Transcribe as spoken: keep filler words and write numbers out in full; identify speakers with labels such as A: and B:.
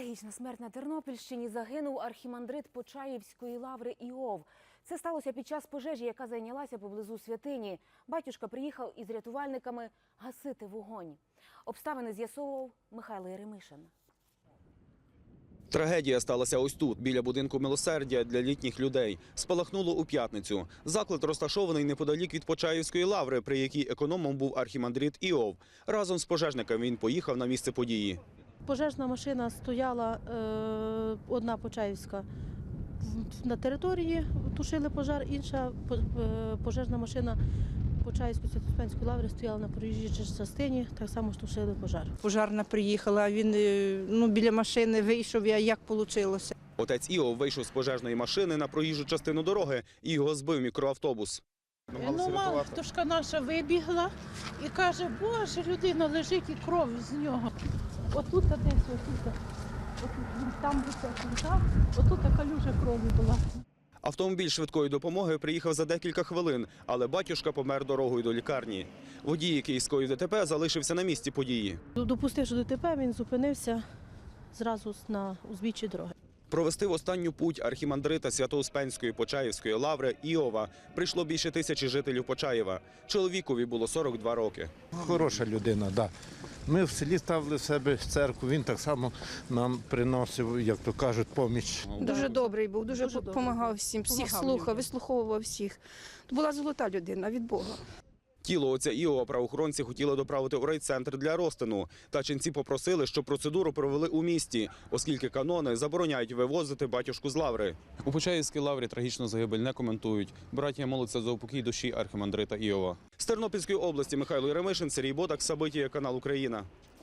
A: Трагічна смерть на Тернопільщині. Загинув архімандрит Почаївської лаври Іов. Це сталося під час пожежі, яка зайнялася поблизу святині. Батюшка приїхав із рятувальниками гасити вогонь. Обставини з'ясовував Михайло Єремишин.
B: Трагедія сталася ось тут, біля будинку милосердя для літніх людей. Спалахнуло у п'ятницю. Заклад розташований неподалік від Почаївської лаври, при якій економом був архімандрит Іов. Разом з пожежниками він поїхав на місце події.
C: Пожежна машина стояла, е, одна Почаївська, на території, тушили пожар, інша е, пожежна машина Почаївської Свято-Успенської лаври стояла на проїжджій частині, так само ж тушили пожар.
D: Пожарна приїхала, він ну, біля машини вийшов, а як вийшло.
B: Отець Іов вийшов з пожежної машини на проїжджу частину дороги і його збив мікроавтобус.
E: Ну, мало пташка наша вибігла і каже, боже, людина лежить і кров з нього. Отут десь, отут, отут, там високо, отут така люжа крові була.
B: Автомобіль швидкої допомоги приїхав за декілька хвилин, але батюшка помер дорогою до лікарні. Водій, який скоїв ДТП, залишився на місці події.
C: Допустивши ДТП, він зупинився зразу на узбіччі дороги.
B: Провести в останню путь архімандрита Свято-Успенської Почаївської лаври Іова прийшло більше тисячі жителів Почаєва. Чоловікові було сорок два роки.
F: Хороша людина, так. Да. Ми в селі ставили в себе церкву, він так само нам приносив, як то кажуть, поміч.
D: Дуже добрий був, дуже
C: Дуже
D: допомагав всім, всіх
C: Помагав
D: слухав,
C: людям.
D: вислуховував всіх. Була золота людина від Бога.
B: Тіло отця Іова правоохоронці хотіли доправити у райцентр для розтину. Та ченці попросили, щоб процедуру провели у місті, оскільки канони забороняють вивозити батюшку з лаври. У Почаївській лаврі трагічну загибель не коментують. Браття моляться за упокій душі архімандрита Іова. З Тернопільської області Михайло Єремишин, Сергій Бодак, Сабитія, канал Україна.